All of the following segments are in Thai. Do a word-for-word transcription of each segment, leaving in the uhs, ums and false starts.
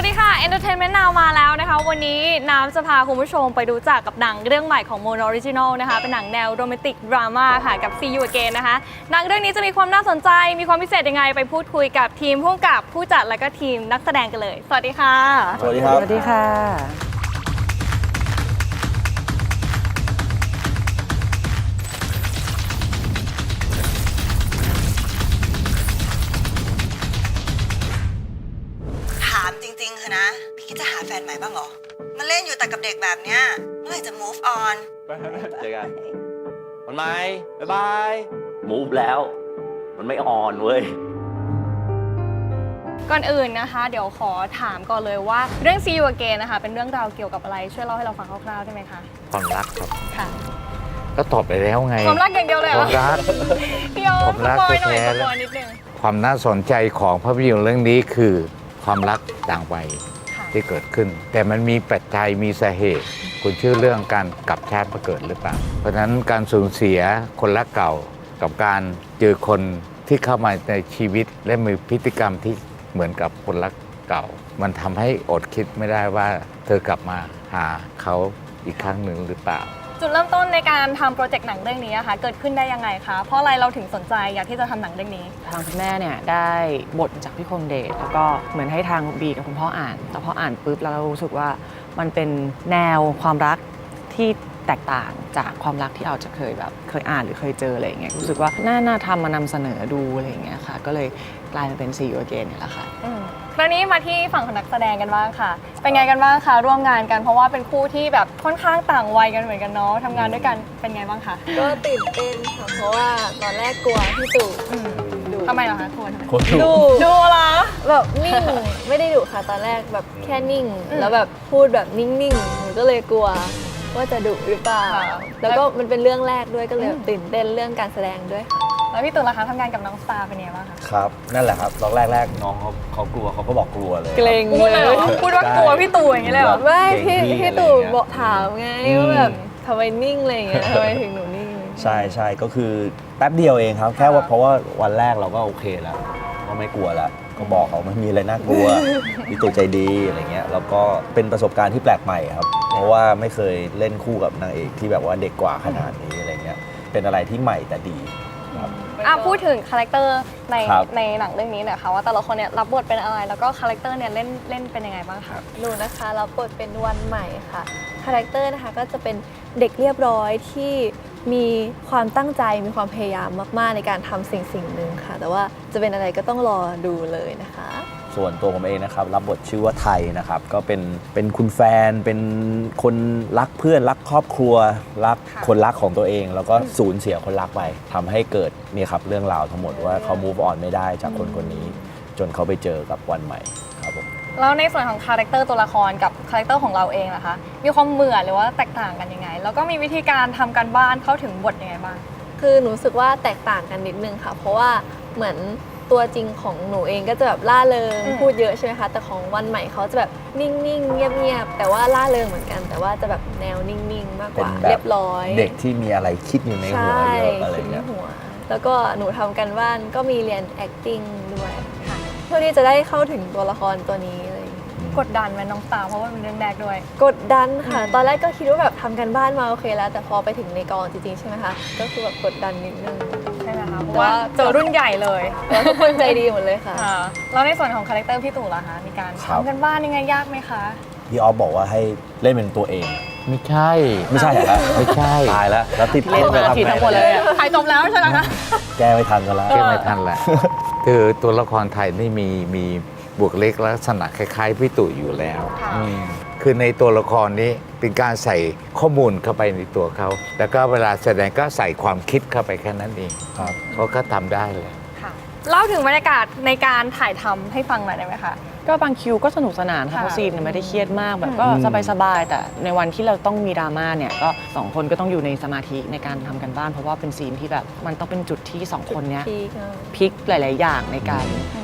ดีค่ะ Entertainment Now มาแล้วนะคะวันนี้น้ำจะพาคุณผู้ชมไปรู้จักกับหนังเรื่องใหม่ของ Mono Original นะคะเป็นหนังแนวโรแมนติกดราม่าค่ะกับ See You Again นะคะหนังเรื่องนี้จะมีความน่าสนใจมีความพิเศษยังไงไปพูดคุยกับทีมผู้กำกับผู้จัดและก็ทีมนักแสดงกันเลยสวัสดีค่ะสวัสดีครับสวัสดีค่ะถามจริงๆเถอะนะพี่คิดจะหาแฟนใหม่บ้างเหรอมาเล่นอยู่แต่กับเด็กแบบเนี้ยเมื่อไหร่จะ move on เจอกันมันไหมบ๊ายบายมูฟแล้วมันไม่ออนเว้ยก่อนอื่นนะคะเดี๋ยวขอถามก่อนเลยว่าเรื่อง See You Again นะคะเป็นเรื่องราวเกี่ยวกับอะไรช่วยเล่าให้เราฟังคร่าวๆได้ไหมคะความรักครับค่ะก็ตอบไปแล้วไงความรักอย่างเดียวเลยเหรอความรักพี่โอ๊คสปอยหน่อยสปอยนิดนึงความน่าสนใจของภาพยนตร์เรื่องนี้คือความรักต่างวัยที่เกิดขึ้นแต่มันมีปัจจัยมีสาเหตุคุณชื่อเรื่องการกลับชาติมาเกิดหรือเปล่าเพราะฉะนั้นการสูญเสียคนรักเก่ากับการเจอคนที่เข้ามาในชีวิตและมีพฤติกรรมที่เหมือนกับคนรักเก่ามันทำให้อดคิดไม่ได้ว่าเธอกลับมาหาเขาอีกครั้งหนึ่งหรือเปล่าจุดเริ่มต้นในการทำโปรเจกต์หนังเรื่องนี้อะคะเกิดขึ้นได้ยังไงคะเพราะอะไรเราถึงสนใจอยากที่จะทำหนังเรื่องนี้ทางคุณแม่เนี่ยได้บทจากพี่คมเดชแล้วก็เหมือนให้ทางบีกับคุณพ่ออ่านแต่พออ่านปุ๊บแล้วเรารู้สึกว่ามันเป็นแนวความรักที่แตกต่างจากความรักที่เราจะเคยแบบเคยอ่านหรือเคยเจออะไรอย่างเงี้ยรู้สึกว่าน่าน่าทำมานำเสนอดูอะไรอย่างเงี้ยค่ะก็เลยกลายมาเป็น See You Again เนี่ยแหละค่ะคราวนี้มาที่ฝั่งของนักแสดงกันบ้างค่ะเป็นไงกันบ้างคะร่วมงานกันเพราะว่าเป็นคู่ที่แบบค่อนข้างต่างวัยกันเหมือนกันเนาะทำงานด้วยกันเป็นไงบ้างคะก็ตื่นเต้นค่ะเพราะว่าตอนแรกกลัวพี่ตู่ดุทำไมเหรอคะกลัวทำไมดุดุเหรอแบบนิ่งไม่ได้ดุค่ะตอนแรกแบบแค่นิ่งแล้วแบบพูดแบบนิ่งๆหนูก็เลยกลัวว่าจะดุหรือเปล่าแล้วก็มันเป็นเรื่องแรกด้วยก็เลยตื่นเต้นเรื่องการแสดงด้วยค่ะแล้วพี่ตู่ล่ะคะทำงานกับน้องสตาร์เป็นไงบ้างคะครับนั่นแหละครับตอนแรกๆน้องเขาเขากลัวเขาก็บอกกลัวเลยเกรงพูดเลยเหรอพูดว่ากลัวพี่ตู่อย่างนี้เลยเหรอไม่พี่พี่ตู่บอกถามไงว่าแบบทำไมนิ่งอะไรอย่างเงี้ยทำไมถึงหนูนิ่งใช่ใช่ก็คือแป๊บเดียวเองครับแค่ว่าเพราะว่าวันแรกเราก็โอเคแล้วก็ไม่กลัวแล้วก็บอกเขาไม่มีอะไรน่ากลัวพี่ตู่ใจดีอะไรเงี้ยแล้วก็เป็นประสบการณ์ที่แปลกใหม่ครับเพราะว่าไม่เคยเล่นคู่กับนางเอกที่แบบว่าเด็กกว่าขนาดนี้อะไรเงี้ยเป็นอะไรที่ใหม่แต่ดีครับอ่ะพูดถึงคาแรคเตอร์ในในหนังเรื่องนี้หน่อยค่ะว่าแต่ละคนเนี่ยรับบทเป็นอะไรแล้วก็คาแรคเตอร์เนี่ยเล่นเล่นเป็นยังไงบ้างคะหนูนะคะรับบทเป็นวันใหม่ค่ะคาแรคเตอร์นะคะก็จะเป็นเด็กเรียบร้อยที่มีความตั้งใจมีความพยายามมากๆในการทำสิ่งสิ่งหนึ่งค่ะแต่ว่าจะเป็นอะไรก็ต้องรอดูเลยนะคะส่วนตัวผมเองนะครับรับบทชื่อว่าไทยนะครับก็เป็นเป็นคุณแฟนเป็นคนรักเพื่อนรักครอบครัวรักคนรักของตัวเองแล้วก็สูญเสียคนรักไปทำให้เกิดนี่ครับเรื่องราวทั้งหมดว่าเขา move on ไม่ได้จากคนคนนี้จนเขาไปเจอกับวันใหม่ครับผมแล้วในส่วนของคาแรคเตอร์ตัวละครกับคาแรคเตอร์ของเราเองนะคะมีความเหมือนหรือว่าแตกต่างกันยังไงแล้วก็มีวิธีการทำการบ้านเข้าถึงบทยังไงบ้างคือหนูรู้สึกว่าแตกต่างกันนิดนึงค่ะเพราะว่าเหมือนตัวจริงของหนูเองก็จะแบบล่าเริงพูดเยอะใช่ไหมคะแต่ของวันใหม่เขาจะแบบนิ่งๆเงียบๆแต่ว่าล่าเริงเหมือนกันแต่ว่าจะแบบแนวนิ่งๆมากกว่าเรียบร้อยเด็กที่มีอะไรคิดอยู่ในหัวเยอะอะไรเงี้ยแล้วก็หนูทำกันบ้านก็มีเรียน acting ด้วยเพื่อที่จะได้เข้าถึงตัวละครตัวนี้เลยกดดันไหมน้องสาวเพราะว่าเป็นเรื่องแรกด้วยกดดันค่ะตอนแรกก็คิดว่าแบบทำกันบ้านมาโอเคแล้วแต่พอไปถึงในกองจริงๆใช่ไหมคะก็คือแบบกดดันนิดนึงใช่ไหมคะเพราะว่าเจอรุ่นใหญ่เลยทุกคนใจดีหมดเลยค่ะแล้วในส่วนของคาแรคเตอร์พี่ตู่ล่ะคะมีการทำกันบ้านยังไงยากไหมคะพี่ออฟบอกว่าให้เล่นเป็นตัวเองไม่ใช่ไม่ใช่เหรอไม่ใช่ตายแล้วแล้วติดเล่นมาผิดทั้งหมดเลยถ่ายจบแล้วใช่ไหมคะแก้ไม่ทันกันแล้วแก้ไม่ทันแหละคือตัวละครไทยนี่มีมีบุคลิกลักษณะคล้ายๆพี่ตู่อยู่แล้วคือในตัวละครนี้เป็นการใส่ข้อมูลเข้าไปในตัวเขาแล้วก็เวลาแสดงก็ใส่ความคิดเข้าไปแค่นั้นเองเขาก็ทำได้เลยเล่าถึงบรรยากาศในการถ่ายทำให้ฟังหน่อยได้ไหมคะก็บางคิวก็สนุกสนานค่ะเพราะซีนไม่ได้เครียดมากแบบก็สบายๆแต่ในวันที่เราต้องมีดราม่าเนี่ยก็สองคนก็ต้องอยู่ในสมาธิในการทำกันบ้านเพราะว่าเป็นซีนที่แบบมันต้องเป็นจุดที่สองคนเนี้ยพลิกหลายๆอย่างในการ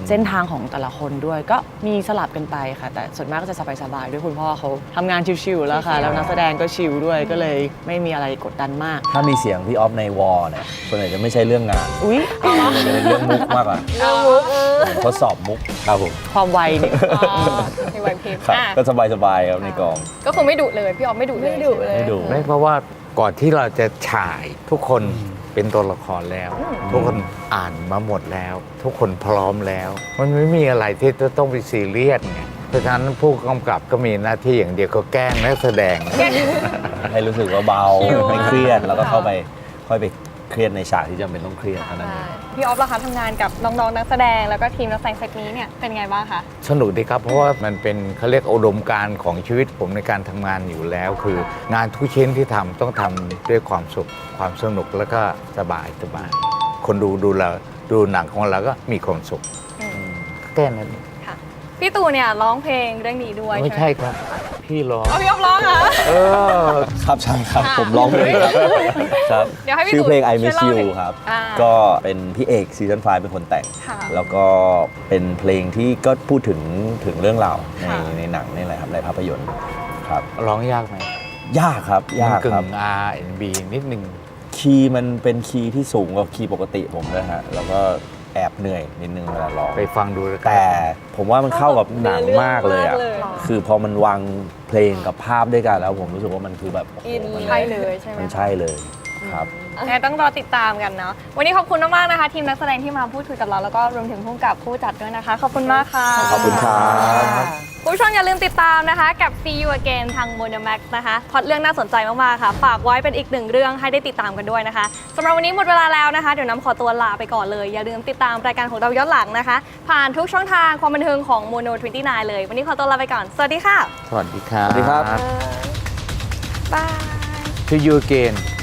เส้นทางของแต่ละคนด้วยก็มีสลับกันไปค่ะ แต่ส่วนมากก็จะสบายๆด้วยคุณพ่อเขาทำงานชิวๆแล้วค่ะ แล้วนักแสดงก็ชิลด้วยก็เลยไม่มีอะไรกดดันมากถ้ามีเสียงพี่ออฟในวอลเนี่ยส่วนใหญ่จะไม่ใช่เรื่องงานอุ๊ยมันจะเป็นเรื่องมุกมากกว่าเรื่องมุกเออเหมือนทดสอบมุกครับผมความไวเนี่ยอ๋อมีไหวพริบครับอ่ะก็สบายๆครับในกองก็คือไม่ดุเลยพี่ออฟไม่ดุเลยไม่ดุเลยไม่ดุไม่เพราะว่าก่อนที่เราจะฉายทุกคนเป็นตัวละครแล้ว ทุกคนอ่านมาหมดแล้ว ทุกคนพร้อมแล้ว มันไม่มีอะไรที่จะต้องไปซีเรียสไงเพราะฉะนั้นผู้กำกับก็มีหน้าที่อย่างเดียวก็แกล้งนักแสดงให้รู้สึกว่าเบาชิลไม่เครียดแล้วก็ค่ะเข้าไปค่อยไปเครียดในฉากที่จำเป็นต้องเครียดเท่านั้นเองพี่ออฟล่ะคะทำงานกับน้องๆนักแสดงแล้วก็ทีมนักแสดงเซตนี้เนี่ยเป็นไงบ้างคะสนุกดีครับ เพราะว่ามันเป็นเขาเรียกอุดมการณ์ของชีวิตผมในการทำงานอยู่แล้ว คืองานทุกชิ้นที่ทำต้องทำด้วยความสุขความสนุกแล้วก็สบายสบายคนดูดูเราดูหนังของเราก็มีความสุขอืมแค่นั้นค่ะพี่ตู่เนี่ยร้องเพลงเรื่องนี้ด้วยไม่ใช่ไหมใช่ครับ พี่ร้องเอาพี่ออฟร้องเหรอเออครับใช่ครับค่ะผมร้องเพลงครับครับเดี๋ยวให้พี่ชื่อตู่เพลง I ช่วย Miss เล่า You หน่อยครับอ่าก็เป็นพี่เอกซีซั่นไฟเป็นคนแต่งค่ะแล้วก็เป็นเพลงที่ก็พูดถึงถึงเรื่องราวในค่ะในหนังนี่แหละครับในภาพยนตร์ครับร้องยากไหมยากครับ ยากกึ่ครับง อาร์ แอนด์ บี นิดนึงคีย์มันเป็นคีย์ที่สูงกว่าคีย์ปกติผมเลยฮะแล้วก็แอบเหนื่อยนิดนึงเวลาร้องไปฟังดูแล้วกันแต่ผมว่ามันเข้ากับหนังมากเลยอ่ะเนื้อเรื่องมากเลยคือพอมันวางเพลงกับภาพด้วยกันแล้วผมรู้สึกว่ามันคือแบบโอ้โหอินมันใช่เลยใช่ไหมมันใช่เลยครับแน่ต้องรอติดตามกันเนาะวันนี้ขอบคุณมากๆนะคะ ทีมนักแสดงที่มาพูดคุยกับเราแล้วก็รวมถึงผู้กำกับผู้จัดด้วยนะคะ ขอบคุณมากค่ะขอบคุณครับคุณผู้ชมอย่าลืมติดตามนะคะกับ See You Again ทาง Monomax นะคะพล็อตเรื่องน่าสนใจมากๆค่ะ ฝากไว้เป็นอีกหนึ่งเรื่องให้ได้ติดตามกันด้วยนะคะสำหรับวันนี้หมดเวลาแล้วนะคะ เดี๋ยวน้ำขอตัวลาไปก่อนเลย อย่าลืมติดตามรายการของเราย้อนหลังนะคะ ผ่านทุกช่องทางความบันเทิงของ Mono ยี่สิบเก้า เลย วันนี้ขอตัวลาไปก่อน สวัสดีค่ะสวัสดีครับสวัสดีครับบาย To you again